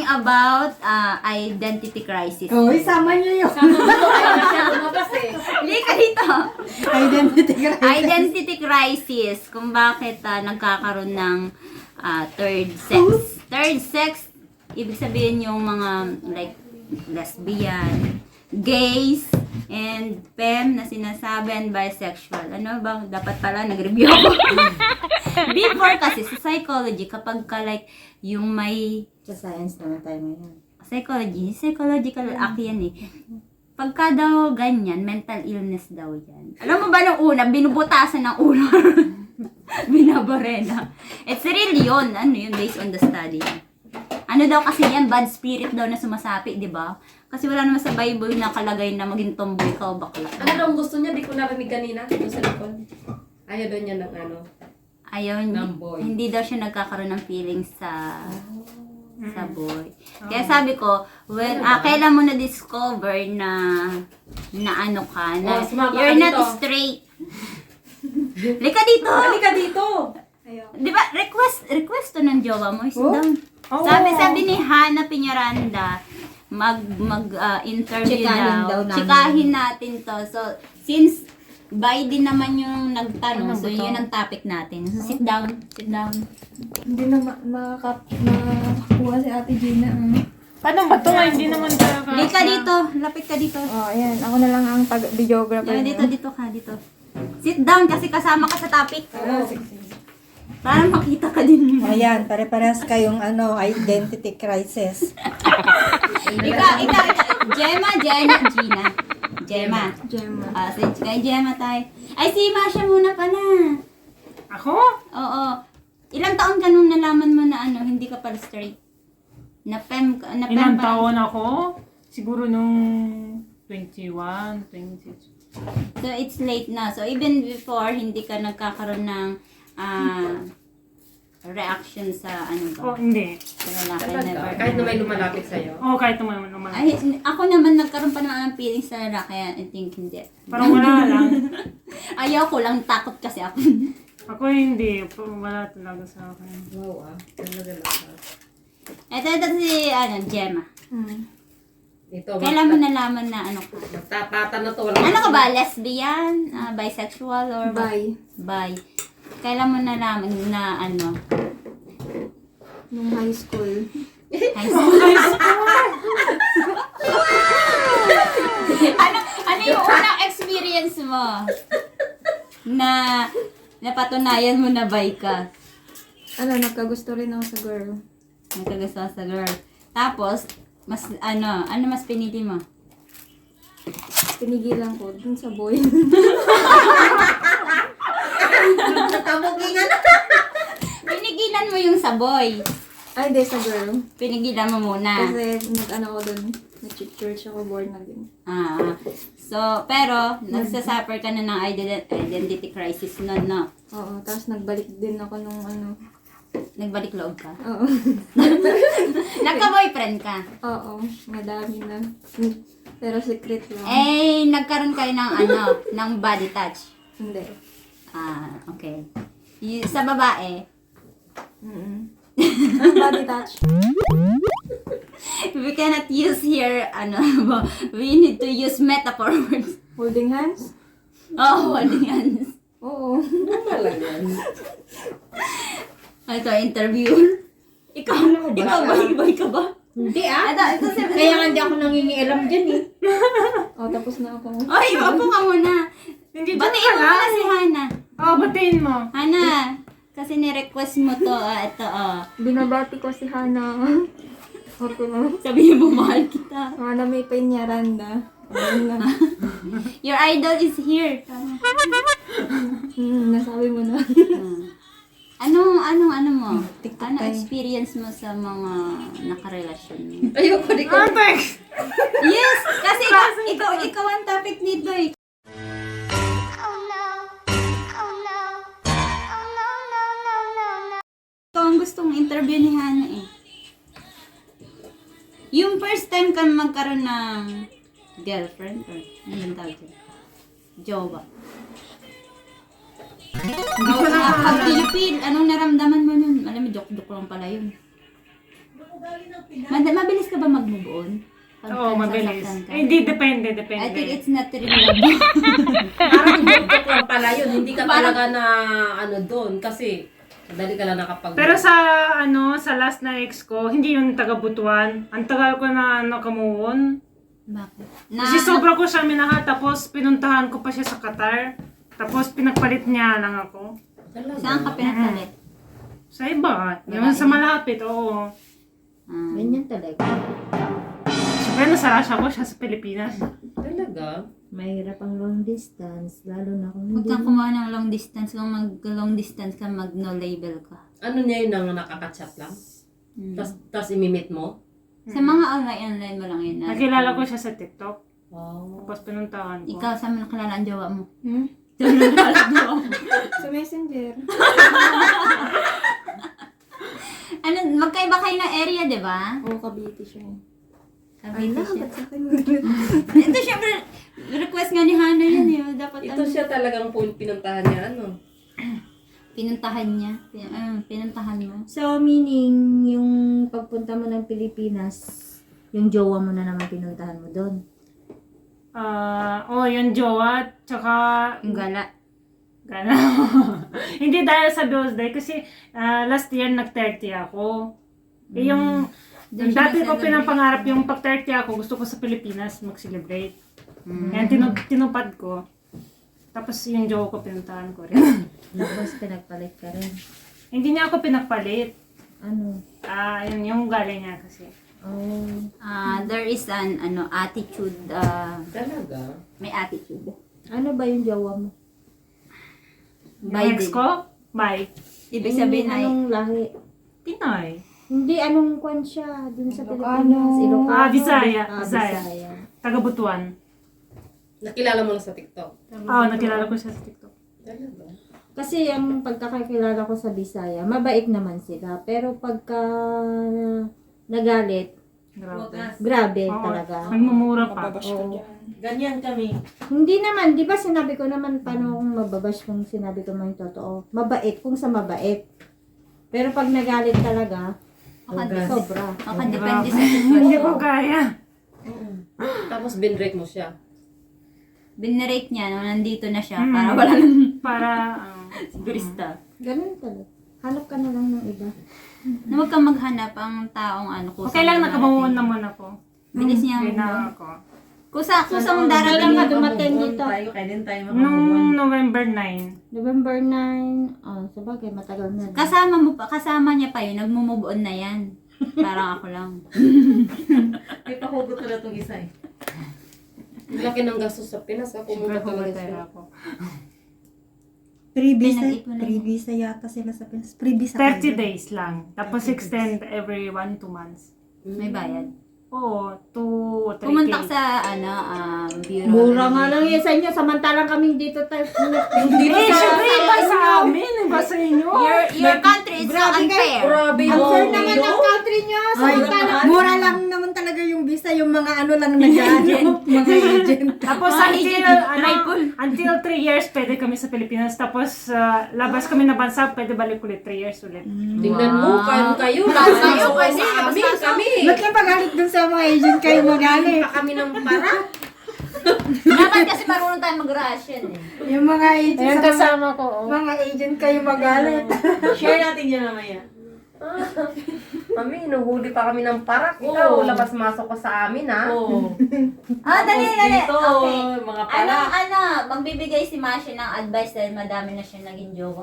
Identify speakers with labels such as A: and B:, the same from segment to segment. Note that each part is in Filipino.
A: about identity crisis.
B: Oh, isama niyo yun.
C: Ayaw na siya lumabas eh.
A: Lika dito.
B: Identity crisis.
A: Identity crisis. Kung bakit nagkakaroon ng third sex. Third sex, ibig sabihin yung mga like lesbian, gays, and femme na sinasabi and bisexual. Ano bang dapat pala nag-review ako? Before kasi sa psychology, kapag ka like yung may
B: Sa science naman tayo ngayon.
A: psychological act yan eh. Pagka daw ganyan, mental illness daw yan. Alam mo ba nung una, binubutasan ng ulo. Binabarena. It's really yun. Ano yun, based on the study. Ano daw kasi yan, bad spirit daw na sumasapi, di ba? Kasi wala naman sa Bible na kalagay na maging tomboy ka o bakla.
C: Ano daw ang gusto niya? Di ko narinig kanina. Doon sa likod. Ayaw daw niya ng ano.
A: Ayaw,
C: Ng boy.
A: hindi daw siya nagkakaroon ng feelings sa boy. Kaya sabi ko, when kailan mo na-discover na ano ka, na
C: sumama ka
A: you're not
C: dito.
A: straight. Lika dito!
C: Halika dito!
A: Di ba, request to ng jowa mo, sit down.
B: Oh.
A: Sabi ni Hana Piñaranda, interview
B: Chikahin daw namin.
A: Chikahin natin to. So, since Biden naman yung nagtanong, so yun ang topic natin. So, sit down.
B: Hindi na makakuha si Ate Gina.
D: Paano ba ito? Hindi naman talaga.
A: Lika dito, lapit ka dito.
B: Oh, ayan. Ako na lang ang videographer.
A: Yan, dito ka, dito. Sit down kasi kasama ka sa topic. Para makita ka din.
B: Ayan, pare-parehas kayong identity crisis.
A: Ikaw. Gemma. Kay Gemma tayo. Ay, si Masha muna pala.
D: Ako?
A: Oo. Ilang taon ka nung nalaman mo na hindi ka pala straight? Na fem
D: Ilang
A: ba?
D: taon ako? Siguro nung 21, 22.
A: So, it's late na. So, even before, hindi ka nagkakaroon ng reaction sa
D: Oh,
A: ba?
D: hindi.
A: Sa lalaki,
C: Talaga.
A: never.
C: Kahit na may lumalapit sa'yo.
D: Oh, kahit naman naman.
A: Ay, ako naman nagkaroon pa naman ng feelings sa lalaki. I think hindi.
D: Parang wala lang.
A: Ayaw ko lang, takot kasi ako.
D: Ako hindi. Wala talaga sa akin.
C: Wow Talaga lang.
A: Ito si, Gemma.
C: Ito.
A: Kailan mo nalaman na ka?
C: Magtapatan na to.
A: Ano ka ba? Lesbian? Bisexual? Or
B: Bye.
A: Bi. Kailan mo nalaman na
B: Nung high school.
A: high school? ano yung unang experience mo? Na napatunayan mo na bi ka?
B: Nagkagusto rin ako sa girl.
A: Nagkagusto ka sa girl. Tapos, mas mas pinili mo?
B: Pinigilan ko dun sa boy.
C: Tamugingan.
A: Pinigilan mo yung sa boy.
B: Ay, hindi, sa girl.
A: Pinigilan mo muna.
B: Kasi ko dun. Nag-church ako, born again.
A: So, pero, nagsasuffer ka na ng identity crisis nun, no?
B: Oo, tapos nagbalik din ako nung
A: Nagbalik loob ka.
B: Oo.
A: Nagka-boyfriend ka.
B: Oo, madami na. Pero secret lang.
A: Nagkaroon kayo ng ng body touch.
B: Hindi.
A: Okay. Sa babae,
B: Body touch.
A: we cannot use here, we need to use metaphor words.
B: Holding hands?
A: Oh, holding hands.
B: Oo.
C: Talaga.
A: Ito, interview. Ikaw boy ka ba?
C: Hindi
A: Ito si...
C: Kaya nga hindi ako nangingialam dyan eh.
B: Tapos na ako.
A: Ay, upo ka muna.
D: Hindi dyan
A: Batiin mo
D: pala.
A: muna si Hana.
D: Oh, batiin mo.
A: Hana, kasi ni-request mo to. Ito,
B: Binabati ko si Hana. Okay na.
A: sabihin mo, mahal kita.
B: Hana may penyaranda. Ayun na.
A: Your idol is here.
B: Nasabi mo na.
A: Anong mo?
B: TikTok
A: Ano
B: tayo.
A: experience mo sa mga nakarelasyon mo?
C: Ayoko, di ko.
D: Context!
A: Yes! Kasi ikaw ang topic nito eh. Ikaw ang gustong interview ni Hana eh. Yung first time ka magkaroon ng girlfriend or anong tawag dyan? Jowa. How do you feel? Anong naramdaman mo nun? Alam mo, joke-joke lang pala yun. Mabilis ka ba mag-move on? Pagka
D: Oo, mabilis.
A: nasasaktan ka?
D: Hindi, depende.
A: I think it's not real love.
C: Parang joke lang pala yun. Hindi ka talaga na ano doon. Kasi madali ka lang nakapag...
D: Pero sa sa last na ex ko, hindi yun taga Butuan. Ang tagal ko na nakamuon.
A: Bakit?
D: Kasi sobra ko siya minahal, tapos pinuntahan ko pa siya sa Qatar. Tapos pinagpalit niya lang ako.
C: Talaga?
A: Saan ka pinagpalit?
D: Sa iba. Yung sa malapit, oo.
B: Ganyan talaga.
D: Siyempre nasa Russia ko, siya sa Pilipinas.
C: Talaga?
B: Mahirap ang long distance, lalo na kung
A: Huwag
B: hindi
A: kang kumuha ng long distance. Kung mag-long distance ka, mag-no label ka.
C: Ano niya yun ang nakaka-chat lang? Tapos imimit mo?
A: Sa mga online mo lang yun.
D: Nakilala ko siya sa TikTok.
C: Wow.
D: Tapos pinuntahan ko.
A: Ikaw, saan mo nakilala ang jowa mo?
B: Sa messenger.
A: Ano, magkaiba kayo ng area, di ba?
B: Oo, Cavite siya.
A: Sabi ko siya.
B: ba't sa akin?
A: Ito, syempre, request nga ni Hana yan, yun. Dapat
C: Ito siya talagang pinuntahan niya, ano?
A: Pinuntahan niya. Pinuntahan mo.
B: So, meaning, yung pagpunta mo ng Pilipinas, yung jowa mo na naman pinuntahan mo doon.
D: Yung jowa, tsaka
A: Yung gala.
D: gana. Hindi dahil sa birthday kasi last year nag-30 ako. Eh, yung
A: Doon siya
D: dati ko
A: nag-celebrate.
D: pinapangarap yung pag-30 ako, gusto ko sa Pilipinas mag-celebrate. Yan, tinupad ko. Tapos yung jowa ko pinuntahan ko rin.
B: Tapos, pinagpalit ka rin.
D: Hindi niya ako pinagpalit.
B: Ano?
D: Yun yung galing niya kasi.
B: Oh.
A: There is an attitude.
C: Talaga?
A: May attitude.
B: Ano ba yung jowa mo?
D: Yung ex
A: Biden.
D: ko, bye.
A: Ibig sabihin ay
B: Anong lahi?
D: Pinoy.
B: Hindi, anong kwan siya dun sa Pilipinas? Ilocano?
D: Bisaya.
B: Ah,
D: Bisaya.
B: Bisaya.
D: Taga Butuan.
C: Nakilala mo lang sa TikTok?
D: Nakilala ko siya sa TikTok.
C: Talaga?
B: Kasi ang pagkakakilala ko sa Bisaya, mabait naman sila. Pero pagka nagalit, grabe
D: Oo,
B: talaga.
D: nagmumura pa.
B: Oo.
E: Ganyan kami.
B: Hindi naman, di ba sinabi ko naman paano kung mababash kung sinabi ko man yung totoo. Mabait kung sa mabait. Pero pag nagalit talaga, sobra.
A: makadepende sa
D: Hindi ko
A: sitwasyon.
D: kaya.
C: Tapos binrek mo siya.
A: Binrate niya nung nandito na siya para wala nang
D: Para,
A: sigurista.
B: Ganun talaga. Hanap ka na lang ng iba.
A: Na huwag kang maghanap ang taong kusang
D: okay lang, nakabawan
A: darating.
D: naman ako.
A: Bilis niya
D: Okay
A: ang
D: na ako.
A: kusang
B: Kailan ka
A: darating.
B: dumating dito?
E: Tayo, kailan tayo
D: Nung November 9.
B: November 9. Oh, sabagay, matagal na.
A: Kasama niya pa yun, nagmo-move on na yan. Parang ako lang.
E: May pahugot ko na itong isa eh.
C: Laki ng gastos sa Pinas. Pumunta talaga siya.
D: ako.
A: Pinag-ipunan.
F: Pre-visa yata sila sa Pinas. Pre-visa
D: 30 days lang. Tapos extend every 1-2 months.
A: May bayad.
D: Oo, 2 3K.
A: Pumunta ka sa bureau.
B: Mura nga lang yun sa inyo, samantalang kami dito tayo.
D: Hindi syempre iba sa amin, iba sa inyo.
A: Your country is so unfair.
C: Grabe
B: Ang
C: yun.
B: fair naman ng country nyo, samantalang.
F: Mura lang naman talaga yung visa, yung mga ano lang nag-ano, mga agent.
D: Tapos until 3 years pwede kami sa Pilipinas. Tapos labas kami na bansa, pwede balik ulit 3 years ulit.
C: Tingnan mo, kayo kayo.
A: Kayo kasi,
C: Sa amin, kami.
F: Ba't kayo pagalit dun sa mga agent kayo magalit?
C: Pa kami ng para.
A: Dapat kasi marunong tayo mag-Russian eh.
F: Yung mga agent
D: Ayun
F: sa
D: kasama ko.
F: mga agent kayo magalit.
E: Share natin yan mamaya.
C: Mami, inuhuli pa kami ng parak. Ikaw,
E: Oo.
C: labas-masok ka sa amin, ha?
E: Oo.
A: Dali.
E: Dito,
A: Okay.
E: mga pala.
A: Magbibigay si Masha ng advice dahil madami na siya naging jowa.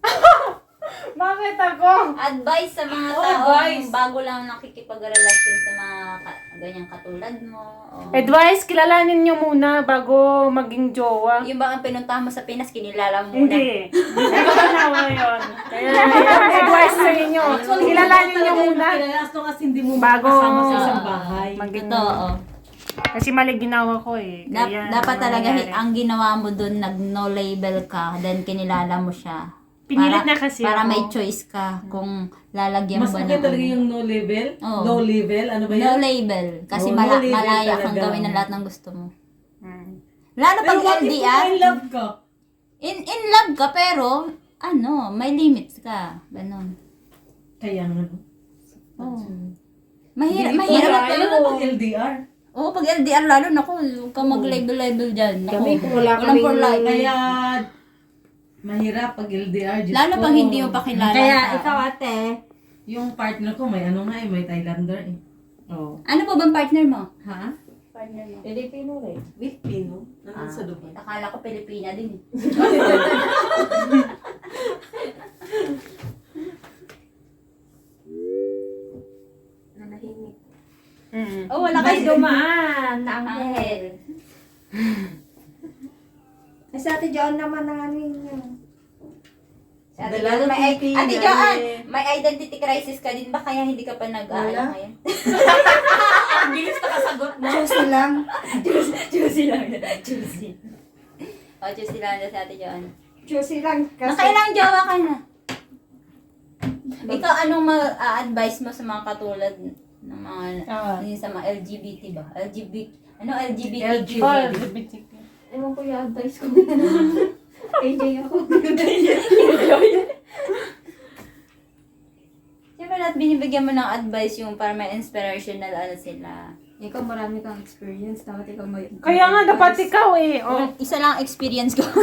D: Bakit ako?
A: Advice sa mga
E: Oh,
A: taong
E: advice.
A: bago lang nakikipag-relasyon sa mga ganyang katulad mo. O,
D: Advice, kilalanin nyo muna bago maging jowa.
A: yung bang pinuntahan mo sa Pinas, kinilala mo muna.
D: Hindi. Hindi ko ginawa yun. Kaya yung advice sa inyo. Kilalanin nyo muna
E: As long as hindi mo
D: bago
E: makasama sa isang bahay.
D: maging...
A: Totoo.
D: Kasi mali ginawa ko eh. Kaya
A: Dapat talaga
D: nangyayari.
A: ang ginawa mo doon, nag-no label ka, then kinilala mo siya.
D: Pinilit na kasi
A: Para
D: ako.
A: may choice ka kung lalagyan
E: Mas
A: mo ba
E: okay
A: ng
E: talaga
A: ano.
E: yung no label?
A: Oo.
E: No label? Ano ba
A: No
E: yan?
A: label. Kasi
E: Oh, no label
A: malaya kang
E: talaga.
A: gawin ng lahat ng gusto mo.
D: Hmm.
A: Lalo
E: Pero
A: pag
E: what if
A: LDR,
E: in love ka?
A: in love ka pero, may limits ka. Ganon.
E: Kaya nga.
A: Oh. Mahirap,
C: Hindi
A: mahirap.
C: pala.
E: Ano na pag LDR?
A: Oo, pag LDR lalo, naku, huwag kang mag-level-level dyan. Naku,
C: Kami, kung wala
A: walang for
C: kaming-
A: life.
E: Kaya, mahirap pag LDR. Diyos
A: Lalo
E: ko.
A: pag hindi mo pa kilala.
B: Kaya
A: ang tao.
B: ikaw ate,
E: Yung partner ko, may ano nga eh, may Thailander eh. Oh.
A: Ano po bang partner mo?
E: Ha?
A: Partner mo.
B: Pilipino rin.
E: Filipino? Nandun sa Dubai.
A: Akala ko Pilipina din.
B: Nanahimik.
D: Mm.
A: Oh, wala
B: May
A: kasi
B: dumaan na
A: Angel.
B: anghel. Eh, sa ate John naman na ano yun.
A: Si Ate
E: Dala
A: Joan,
E: ng
A: may,
E: pipi,
A: Ate
E: dali.
A: Joan, may identity crisis ka din ba? Kaya hindi ka pa nag-aalala
B: Wala.
A: ngayon? Ang bilis na kasagot mo.
B: Juicy lang.
A: Juicy lang. Juicy. O, juicy lang na si Ate Joan.
B: Juicy lang. Kasi,
A: Nakailang jowa ka na? Ikaw, anong ma-advise mo sa mga katulad ng mga, yung sa mga LGBT ba? LGBT?
D: Oh, LGBTQ.
B: ewan ko yung advice ko. AJ ako.
A: Siyempre lahat binibigyan mo ng advice yung para may inspirational ano sila.
F: Ikaw marami kang experience. Dapat ikaw may...
D: Kaya nga, dapat ikaw eh. Oh.
A: Isa lang ang experience ko.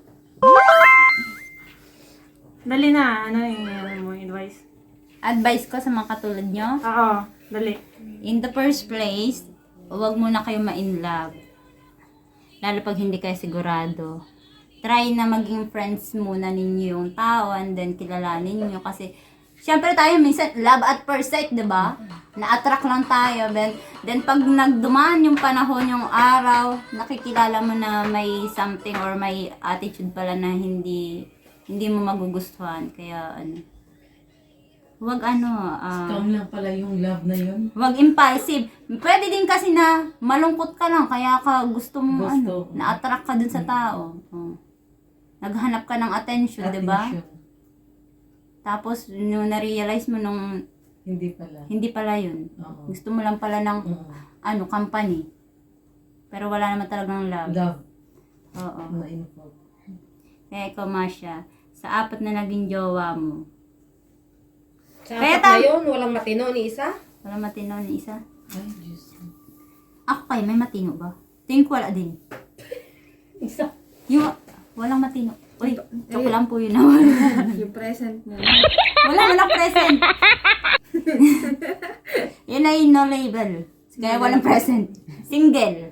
D: Dali na. Ano yung mo advice?
A: Advice ko sa mga katulad nyo,
D: Oo, dali.
A: in the first place, huwag muna kayo ma-in love. Lalo pag hindi kayo sigurado. Try na maging friends muna ninyo yung tao and then kilalanin nyo kasi syempre tayo minsan love at first sight, 'di ba? Na-attract lang tayo. Then pag nagdumaan yung panahon, yung araw, nakikilala mo na may something or may attitude pala na hindi mo magugustuhan. Kaya huwag
E: Scam lang pala yung love na yun.
A: huwag impulsive. Pwede din kasi na malungkot ka lang kaya ka gusto mo
E: Gusto.
A: na-attract ka dun sa tao. Oh. Naghanap ka ng attention, 'di ba?
E: Attention.
A: Tapos nung na-realize mo nung
E: Hindi pala.
A: hindi pala 'yun.
E: Oo.
A: Gusto mo lang pala ng
E: Oo.
A: company. Pero wala naman talagang love.
E: Love
A: Oo.
E: na involved.
A: Kaya ikaw, Masha, sa 4 na naging jowa mo,
C: Sa
A: Kaya
C: apat na yun, walang matino ni isa.
A: wala matino ni isa.
E: Ay, Diyos.
A: Ako kayo, may matino ba? Tingin ko wala din.
C: Isa.
A: Yung walang matino. Uy, joke lang po yun naman.
F: Yung present mo.
A: Walang present. Yun ay no label. Kaya walang present. Single.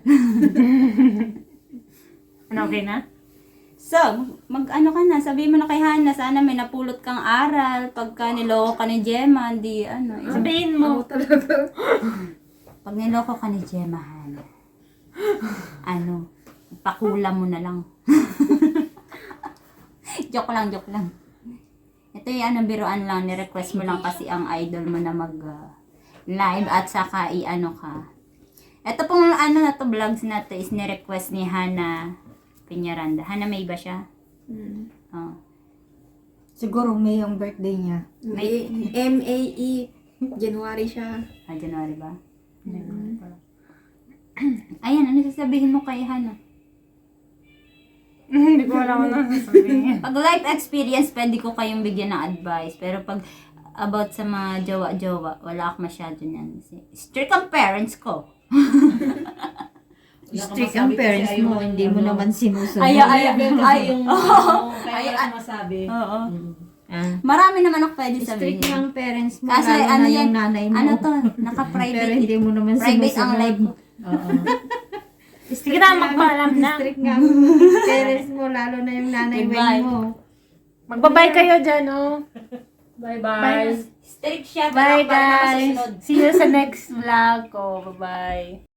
D: Ano, okay na?
A: So, mag-ano ka na, sabihin mo na kay Hana, sana may napulot kang aral. Pagka niloko ka ni Gemma, hindi
D: Sabihin mo.
A: Pag niloko ka ni Gemma, Hana, pakulam mo na lang. Joke lang. Ito yung biruan lang, ni-request mo lang kasi ang idol mo na mag-live at saka ka. Ito pong na to vlogs na to is ni-request ni Hana Piñaranda. Hana, may ba siya? Oh.
F: Siguro May yung birthday niya.
A: May-
F: M-A-E. January siya.
A: January ba? Ayan, ano sasabihin mo kay Hana?
D: Hindi ko alam ano sasabihin.
A: Pag life experience, pwede ko kayong bigyan ng advice. Pero pag about sa mga jowa-jowa, wala ako masyado niyan. Strict ang parents ko.
B: Strict ang parents mo, hindi mo naman sinusunod.
A: Ayaw.
E: Kaya wala kang masabi.
A: Oo.
B: Ah.
A: Marami naman ako pwede sabihin.
B: Strict ng parents mo,
A: Kasi
B: lalo
A: ano
B: na
A: yan,
B: yung nanay mo.
A: ano to,
B: Pero
A: naka-private.
B: hindi mo naman
A: Private ang
B: sinusunod.
A: live ko.
E: Oo.
D: Sige na, magpaalam na.
B: Strict nga ang parents mo, lalo na yung nanay
A: Goodbye.
B: mo.
D: Magbabay kayo dyan, oh.
C: Bye-bye.
A: Strict siya.
D: Bye,
A: pero ako pa
D: guys.
A: susunod.
D: See you sa next vlog ko. Bye-bye.